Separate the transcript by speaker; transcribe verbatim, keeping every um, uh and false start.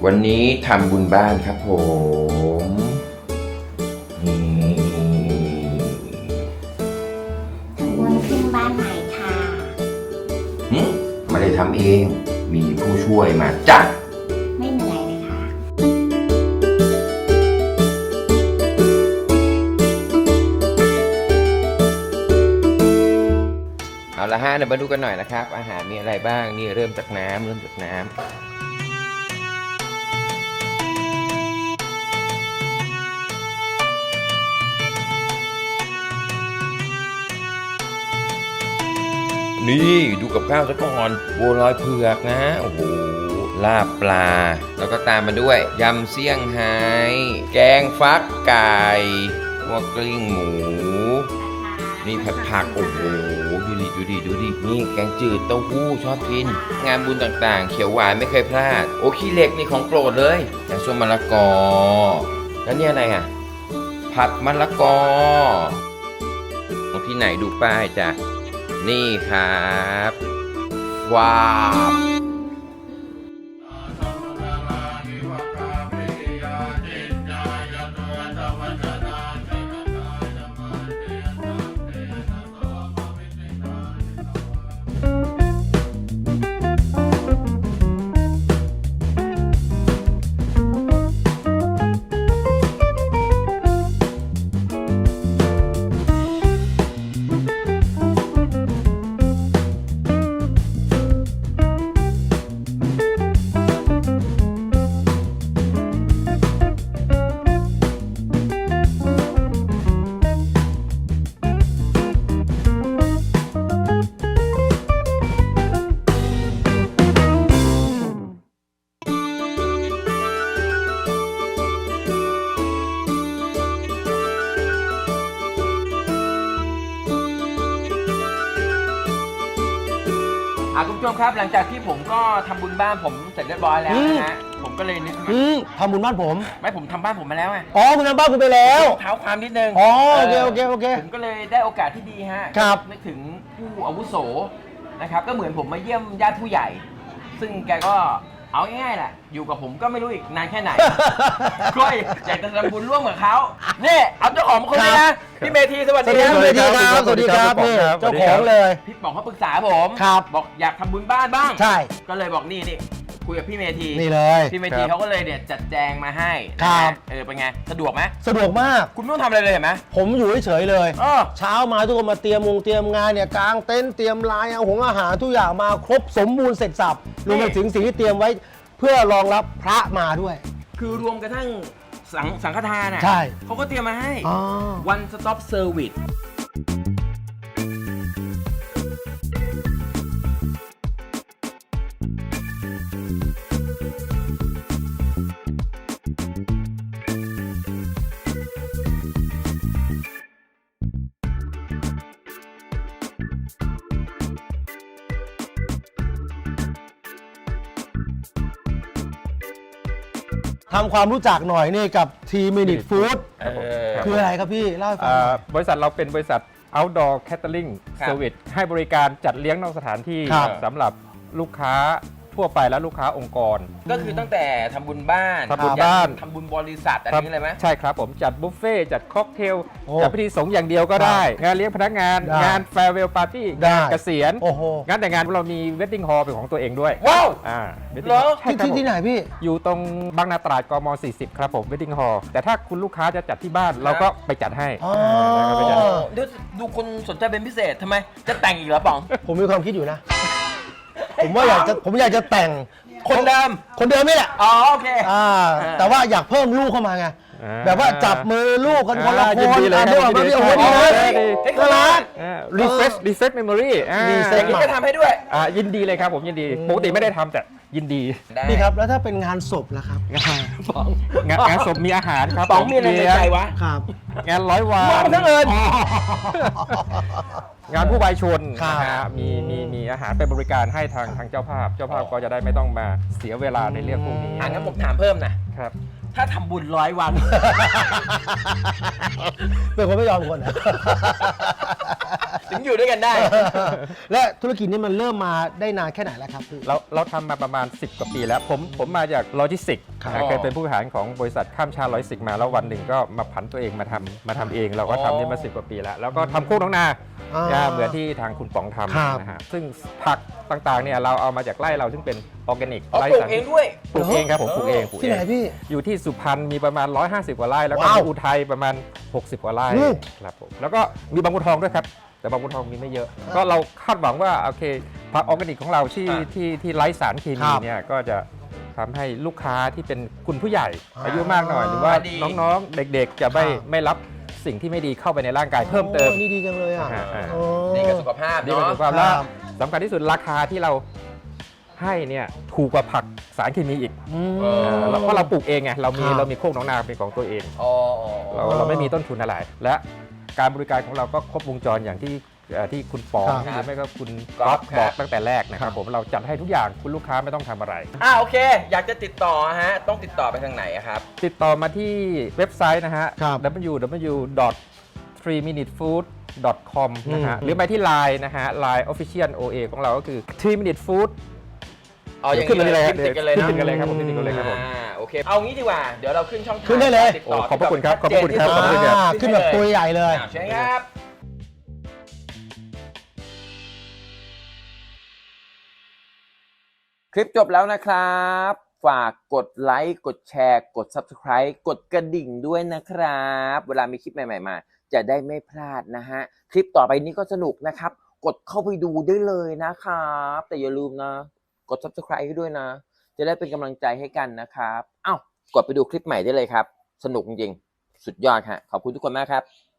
Speaker 1: วันนี้ทำบุญบ้านครับผมนี่
Speaker 2: ทำบุญขึ้นบ้านใหม่ค่ะ
Speaker 1: หึไม่ได้ทำเองมีผู้ช่วยมาจ้ะ
Speaker 2: ไม่เหนื่อยเลยค่ะ
Speaker 1: เอาละฮะเดี๋ยวมาดูกันหน่อยนะครับอาหารมีอะไรบ้างนี่เริ่มจากน้ำเริ่มจากน้ำนี่ดูกับข้าวซะก่อนบัวลอยเผือกนะโอ้โหลาบปลาแล้วก็ตามมาด้วยยำเซี่ยงไฮ้แกงฟักไก่หัวกลิ้งหมูนี่ผัดผักโอ้โหดูดิดูดิดูดินี่แกงจืดเต้าหู้ชอบกินงานบุญต่างๆเขียวหวานไม่เคยพลาดโอ้ขี้เหล็กนี่ของโปรดเลยแกงส้มมะละกอแล้วนี่อะไรอ่ะผัดมะละกอของที่ไหนดูป้ายจ้ะนี่ครับว้าวอ่ะคุณผู้ชมครับหลังจากที่ผมก็ทำบุญบ้านผมเสร็จเรียบร้อยแล้วนะฮะผมก็เลยนึก
Speaker 3: อืมทำบุญบ้านผม
Speaker 1: ไม่ผมทำบ้านผมมาแล้วไง
Speaker 3: อ๋อคุณทำบ้านคุณไปแล้ว
Speaker 1: เท้าความนิดนึง
Speaker 3: อ๋อโอเคโอเคโอเค
Speaker 1: ผมก็เลยได้โอกาสที่ดีฮะ
Speaker 3: ครับ
Speaker 1: นึกถึงผู้อาวุโสนะครับก็เหมือนผมมาเยี่ยมญาติผู้ใหญ่ ซึ่งแกก็เอาง่ายๆแหละอยู่กับผมก็ไม่รู้อีกนานแค่ไหน ก็อยากจะทำบุญร่วมกับเขานี่เอาเจ้าของมาคนนี้นะพี่เมธีสวัส
Speaker 3: สวั
Speaker 1: ดี
Speaker 3: สดี
Speaker 1: ค
Speaker 3: ค
Speaker 1: รั
Speaker 3: รับบ สวัสดีครับสวัสดีครับนี่เจ้าของเลย
Speaker 1: พี่ป๋องเขาปรึกษาผม
Speaker 3: ครับ
Speaker 1: บอกอยากทำบุญบ้านบ้าง
Speaker 3: ใช่
Speaker 1: ก็เลยบอกนี่นี่คุยกับพี่เมธี
Speaker 3: นี่เลย
Speaker 1: พี่เมธีเขาก็เลยเนี่ยจัดแจงมาให้
Speaker 3: ครับ
Speaker 1: นะฮะเออเป็นไงสะดวกไหม
Speaker 3: สะดวกมาก
Speaker 1: คุณไม่ต้องทำอะไรเลยเห็นไหม
Speaker 3: ผมอยู่เฉยๆเลย
Speaker 1: เออ
Speaker 3: เช้ามาทุกคนมาเตรียมมงเตรียมงานเนี่ยกางเต็นท์เตรียมลายเอาหงอาหารทุกอย่างมาครบสมบูรณ์เสร็จสับรวมไปถึงสิ่งที่เตรียมไว้เพื่อรองรับพระมาด้วย
Speaker 1: คือรวมกระทั่งสังสังฆทานอ่ะ
Speaker 3: ใช่
Speaker 1: เขาก็เตรียมมาให้
Speaker 3: อ๋อ
Speaker 1: one stop service
Speaker 3: ทำความรู้จักหน่อยนี่กับทีมินิฟู้ด
Speaker 1: เออ
Speaker 3: คืออะไรครับพี่เล่าให้ฟังหน่อย
Speaker 4: บริษัทเราเป็นบริษัท outdoor catering
Speaker 1: ครับ
Speaker 4: service ให้บริการจัดเลี้ยงนอกสถานที่
Speaker 3: ครับ
Speaker 4: สำหรับลูกค้าทั่วไปและลูกค้าองค์กร
Speaker 1: ก็คือตั้งแต่ทำบุญบ้าน
Speaker 4: ทำบุญบ้าน
Speaker 1: ทำบุญบริษัทอะไรนี้เลยไหม
Speaker 4: ใช่ครับผมจัดบุฟเฟ่ต์จัดค็อกเทล
Speaker 3: โอ้
Speaker 4: จัดพิธีสงฆ์อย่างเดียวก็ได้ งานเลี้ยงพนักงาน
Speaker 3: ได้
Speaker 4: งานแฟร์เวลปาร์ตี้
Speaker 3: ได้
Speaker 4: งานเกษียณ
Speaker 3: โอ้โห
Speaker 4: งานแต่งงานเรามีเวดดิ้งฮอลล์เป็นของตัวเองด้วย
Speaker 1: ว้าว
Speaker 4: อ่า wedding
Speaker 1: เหรอ
Speaker 4: hall ใช่
Speaker 3: ที่
Speaker 4: ครับ
Speaker 3: ที่
Speaker 4: ผม
Speaker 3: ที่ไหนพี่
Speaker 4: อยู่ตรงบางนาตราดกม สี่สิบ ครับผมเวดดิ้งฮอลล์แต่ถ้าคุณลูกค้าจะจัดที่บ้านเราก็ไปจัดให้
Speaker 3: อ๋อ
Speaker 4: าเราก็ไปจัดให้
Speaker 1: ดูดูคนสนใจเป็นพิเศษทำไม จะแต่งอีกเหรอป๋อง
Speaker 3: ผมมีความคิดอยู่นะ ผมว่าอยากจะผมอยากจะแต่ง
Speaker 1: คนเดิม
Speaker 3: คนเดิมนี่แหละ
Speaker 1: อ๋อโอเค
Speaker 3: อ่าแต่ว่าอยากเพิ่มลูกเข้ามาไง
Speaker 4: อ่า
Speaker 3: แบบว่าจับมือลูกกันคนละค
Speaker 4: ยิ
Speaker 3: น
Speaker 4: นดีเลย
Speaker 3: อ่ะ
Speaker 4: ครับ
Speaker 3: เดี๋ยว
Speaker 4: ยินดี
Speaker 3: โอ้โห
Speaker 4: เลย
Speaker 3: ดี
Speaker 4: ครับ
Speaker 3: เลย
Speaker 1: เฮ้ย
Speaker 3: น่ารัก
Speaker 4: รีเฟรชรีเฟรชเมมโมรี่
Speaker 3: reset
Speaker 1: อย่างนี้ก็ทำให้ด้วย
Speaker 4: อ่ายินดีเลยครับผมยินดีปกติไม่ได้ทำแต่ยินดี
Speaker 1: ได้
Speaker 3: พี่ครับแล้วถ้าเป็นงานศพล่ะครับ
Speaker 4: งานงานงานศพมีอาหารครับ
Speaker 1: ป๋องมีอะไรในใจวะ
Speaker 3: ครับ
Speaker 4: งานร้อยวัน
Speaker 1: มองทั้งเอิญ
Speaker 4: งานผู้วายชน
Speaker 3: ครับ
Speaker 4: นะฮะมีมีมีอาหารเป็นบริการให้ทางทางเจ้าภาพ เจ้าภาพก็จะได้ไม่ต้องมาเสียเวลาในเรื่องพวกนี้
Speaker 1: อ่ะงั้นผมถามเพิ่มนะ
Speaker 4: ครับ
Speaker 1: ถ้าทำบุญร้อยวัน
Speaker 3: เป็นคนไม่ยอมคนนะ
Speaker 1: ถึงอยู่ด้วยกันได้
Speaker 3: และธุรกิจนี้มันเริ่มมาได้นานแค่ไหนแล้วครับพี่
Speaker 4: เราเราทำมาประมาณ สิบ กว่าปีแล้ว ผมผมมาจากโลจิสติกส์
Speaker 3: ครับ
Speaker 4: นะเคยเป็นผู้บริหารของบริษัทข้ามชาติโลจิสติกส์มาแล้ววันหนึ่งก็มาผันตัวเองมาทำมาทำเอง เราก็ทำนี่มาสิบกว่าปีแล้ว แล้วก็ทำโคกน้องนา
Speaker 3: อ่า
Speaker 4: นะเหมือนที่ทางคุณป๋องท
Speaker 3: ครับ
Speaker 4: ำนะฮะซึ่งผักต่างๆเนี่ยเราเอามาจากไร่เราซึ่งเป็นออร์แกนิก
Speaker 1: อ๋อ
Speaker 4: ไร่
Speaker 1: ปลูก
Speaker 4: สาร
Speaker 1: เองด้วย
Speaker 4: ปลูกเองครับผมปลูกเองปลูก
Speaker 3: ที่
Speaker 4: เอ
Speaker 3: ไหน
Speaker 4: ง
Speaker 3: พี่
Speaker 4: อยู่ที่สุพรรณมีประมาณ หนึ่งร้อยห้าสิบ กว่าไร่แล้วก็
Speaker 3: ว้าว
Speaker 4: มีอุทัยประมาณ หกสิบ กว่าไร่
Speaker 3: อืม
Speaker 4: ครับผมแล้วก็มีบางบัวทองด้วยครับแต่บางบัวทองมีไม่เยอะ ก็เราคาดหวังว่าโอเคผักออร์แกนิกของเราที่
Speaker 1: อ่า
Speaker 4: ที่ที่ไร้สารเค
Speaker 3: ค
Speaker 4: มี
Speaker 3: รับ
Speaker 4: เนี่ยก็จะทำให้ลูกค้าที่เป็นคุณผู้ใหญ่
Speaker 3: อ่า
Speaker 4: อายุมากหน่อย หรือว่า
Speaker 1: ดี
Speaker 4: น้องๆเด็กๆ จะไม่
Speaker 3: ครับ
Speaker 4: ไม่รับสิ่งที่ไม่ดีเข้าไปในร่างกายเพิ่มเติม
Speaker 3: โอ้นี่ดีจังเลยอ่ะ
Speaker 4: อ่าอ่า
Speaker 3: โอ้
Speaker 1: ดีกับสุขภาพ
Speaker 4: ดีกว่า
Speaker 1: เนาะ
Speaker 4: สุขภาพแล้ว
Speaker 3: ครับ
Speaker 4: สำคัญที่สุดราคาที่เราให้เนี่ยถูกกว่าผักสารเคมีอีก
Speaker 3: อืม
Speaker 1: เออ
Speaker 4: เราเพราะเราปลูกเองไงเรามี
Speaker 3: ครับ
Speaker 4: เรามีโคกหน้องนาเป็นของตัวเอง
Speaker 1: อ๋ออ๋อ
Speaker 4: เราเราไม่มีต้นทุนอะไร และการบริการของเราก็ครบวงจรอย่างที่เอ่อที่คุณปอง
Speaker 3: ครับ
Speaker 4: หรือไม่ก็คุณ
Speaker 1: ก๊
Speaker 4: ก๊
Speaker 1: อ
Speaker 4: อ
Speaker 1: ฟ
Speaker 4: ฟ
Speaker 1: ครับ
Speaker 4: บอกตั้งแต่แรกนะครับผมเราจัดให้ทุกอย่างคุณลูกค้าไม่ต้องทำอะไร
Speaker 1: อ่าโอเค อยากจะติดต่อฮะ ต้องติดต่อไปทางไหนอะครับ
Speaker 4: ติดต่อมาที่เว็บไซต์นะฮะ
Speaker 3: ครับ
Speaker 4: ดับเบิลยู ดับเบิลยู ดอท ทรี มินิท ฟู้ด ดอท คอม นะฮะ
Speaker 3: อืม
Speaker 4: หรือไปที่ ไลน์ นะฮะ ไลน์ Official โอ เอ ของเราก็คือ ทรี มินิท ฟู้ด
Speaker 1: เอาอย่าง
Speaker 4: ขึ้นมาเลย
Speaker 1: ขึ้นติดกันเลย
Speaker 4: ขึ้
Speaker 1: นะ
Speaker 4: นติดกันเลยครับผมขึ้นติดกันเลยครับผม
Speaker 1: อ่าโอเค เอางี้ดีกว่า เดี๋ยวเราขึ้นช่องทาง
Speaker 3: ขึ้นได้เลย
Speaker 1: การติดต่อ
Speaker 4: โอ้ขอบพระคุณครับ
Speaker 1: ที่แชัดเจน
Speaker 4: ขอบพระคุณครับ
Speaker 1: ที่สุด
Speaker 3: อ่าขึ้นแบบตัวใหญ่เลย
Speaker 1: อ่าใช่ครับ คลิปจบแล้วนะครับ ฝากกดไลค์ กดแชร์ กด Subscribe กดกระดิ่งด้วยนะครับ เวลามีคลิปใหม่ๆมา จะได้ไม่พลาดนะฮะ คลิปต่อไปนี้ก็สนุกนะครับ กดเข้าไปดูได้เลยนะครับ แต่อย่าลืมนะ กด Subscribe ให้ด้วยนะ จะได้เป็นกำลังใจให้กันนะครับ เอ้า กดไปดูคลิปใหม่ได้เลยครับ สนุกจริงๆ สุดยอดฮะ ขอบคุณทุกคนมากครับ